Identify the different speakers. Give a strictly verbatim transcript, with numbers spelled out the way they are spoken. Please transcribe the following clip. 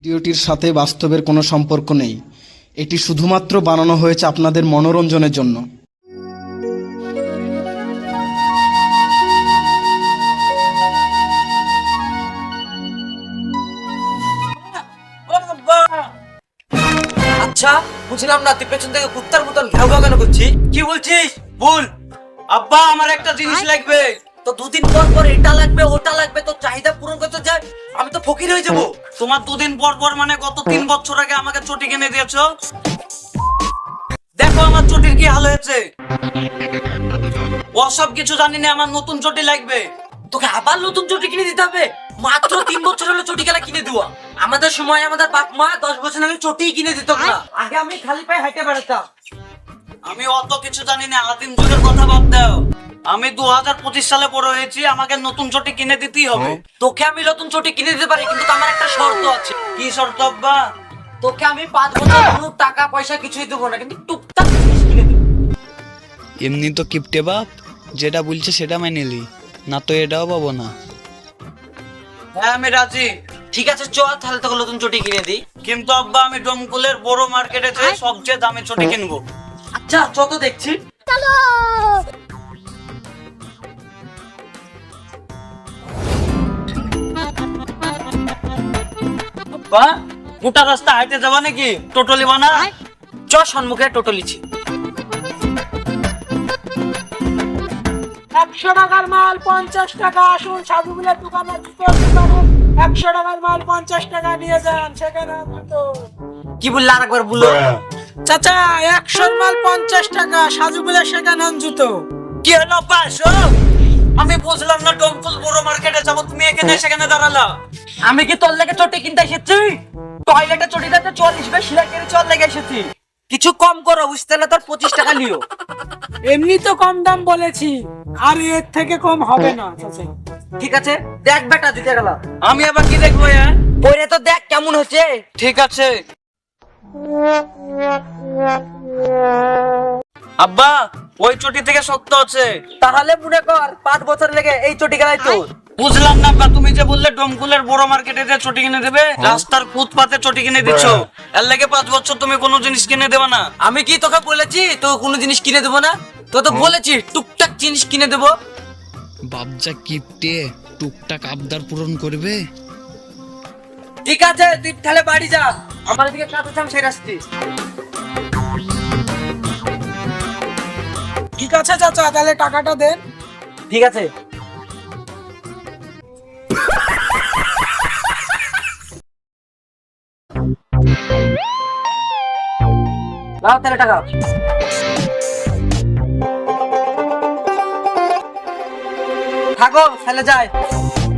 Speaker 1: ভিডিওটির সাথে বাস্তবের কোনো সম্পর্ক নেই। এটি শুধুমাত্র বানানো হয়েছে আপনাদের মনোরঞ্জনের জন্য।
Speaker 2: আচ্ছা বুঝলাম না, তুই পেছন থেকে কুত্তার মতন ঘেউ ঘেউ কেন করছিস? কি বলছিস বল। আব্বা আমার একটা জিনিস লাগবে। তো দুদিন পর পর এটা লাগবে ওটা লাগবে, তো চাহিদা পূরণ করতে যায় আমি তো ফকির হয়ে যাব।
Speaker 3: তোমার দুদিন পর পর মানে গত তিন বছর আগে আমাকে চটি কিনে দিয়েছো। দেখো আমার চটির কি হাল হয়েছে। ওসব কিছু জানি না, আমার নতুন চটি লাগবে।
Speaker 2: তোকে আবার নতুন চটি কিনে দিতে হবে? মাত্র তিন বছর হলো চটি খেলা কিনে দেওয়া। আমাদের সময় আমাদের বাপ মা দশ বছর আগে চটি কিনে দিত না। আগে আমি খালি পায়ে হাঁটে বেড়াতাম।
Speaker 3: আমি অত কিছু জানি না, আদিম যুগের কথা বাদ দাও। আমি দু হাজার পঁচিশ সালে বড় হয়েছি, আমাকে নতুন চটি কিনে দিতেই হবে।
Speaker 2: তোকে আমি নতুন চটি কিনে দিতে পারি, কিন্তু আমার একটা শর্ত আছে।
Speaker 3: কি শর্ত আব্বা?
Speaker 2: তোকে আমি পাঁচ বছর কোনো টাকা পয়সা কিছুই দেবো না, কিন্তু টুকটাক জিনিস কিনে দেবো।
Speaker 4: এমনি তো কিপটে বাপ, যেটা বলছে সেটা মেনে নিলি, না তো এটাও পাবো না।
Speaker 3: হ্যাঁ আমি রাজি।
Speaker 2: ঠিক আছে চল তাহলে তোকে নতুন চটি কিনে দিই।
Speaker 3: কিন্তু আব্বা আমি ডোমকুলের বড় মার্কেটে যে সবচেয়ে দামি চটি কিনবো।
Speaker 2: আচ্ছা চল তো দেখছি।
Speaker 3: আব্বা গোটা রাস্তা হাইটে যাবা নাকি? টোটলি বানা
Speaker 2: চ সম্মুখে টোটো লিছি।
Speaker 5: একশো টাকার মাল পঞ্চাশ টাকা। আসুন সাধুগুলের দোকানে জুতোর দোকানে একশো টাকার মাল পঞ্চাশ টাকা নিয়ে যান, সেখানে জুতো।
Speaker 2: কি বললে আরেকবার বলো।
Speaker 5: চাচা একশোর মাল পঞ্চাশ টাকা, সাধুগুলের সেখানে জুতো।
Speaker 3: কি হলো পাঁচশো? আমি বুঝলাম না, ডোমকুল বড় মার্কেটে যাবো, তুমি এখানে সেখানে দাঁড়ালা।
Speaker 2: আমি কি তোর লেগে চটি কিনতে এসেছি? টয়লেটে চটি দিতে চল্লিশ বে সিলাই করে চল লেগে এসেছি। কিছু কম করো, বুঝতে না তোর পঁচিশ টাকা নিও।
Speaker 5: এমনি তো কম দাম বলেছি, আর এর থেকে কম হবে না চাচা।
Speaker 2: ঠিক আছে দেখ বেটা দিতে গেলাম।
Speaker 3: আমি আবার কি দেখবো? হ্যাঁ
Speaker 2: পরে তো দেখ কেমন হচ্ছে।
Speaker 3: ঠিক আছে। আব্বা ওই চটি থেকে শক্ত আছে।
Speaker 2: তাহলে মনে কর পাঁচ বছর লেগে এই চটি গেলাই তো।
Speaker 3: বুঝলাম না আব্বা, তুমি যে বললে ডোমকুলের বড় মার্কেটে যে চটি কিনে দেবে, রাস্তার ফুটপাতে চটি কিনে দিচ্ছ, এর লাগে পাঁচ বছর তুমি কোনো জিনিস কিনে দেবে না।
Speaker 2: আমি কি তোকে বলেছি তো কোনো জিনিস কিনে দেবো না? তো তো বলেছি টুকটাক জিনিস কিনে দেবো।
Speaker 4: বাপজা কিপটে, টুকটাক আবদার পূরণ করবে।
Speaker 2: ঠিক আছে তুই তাহলে বাড়ি যা, আমার দিকে কাজ আছে আমি সেই রাস্তি।
Speaker 5: ঠিক আছে চাচা, তাহলে টাকাটা দেন।
Speaker 2: ঠিক আছে নাও তাহলে টাকা। থাকো তাহলে যাই।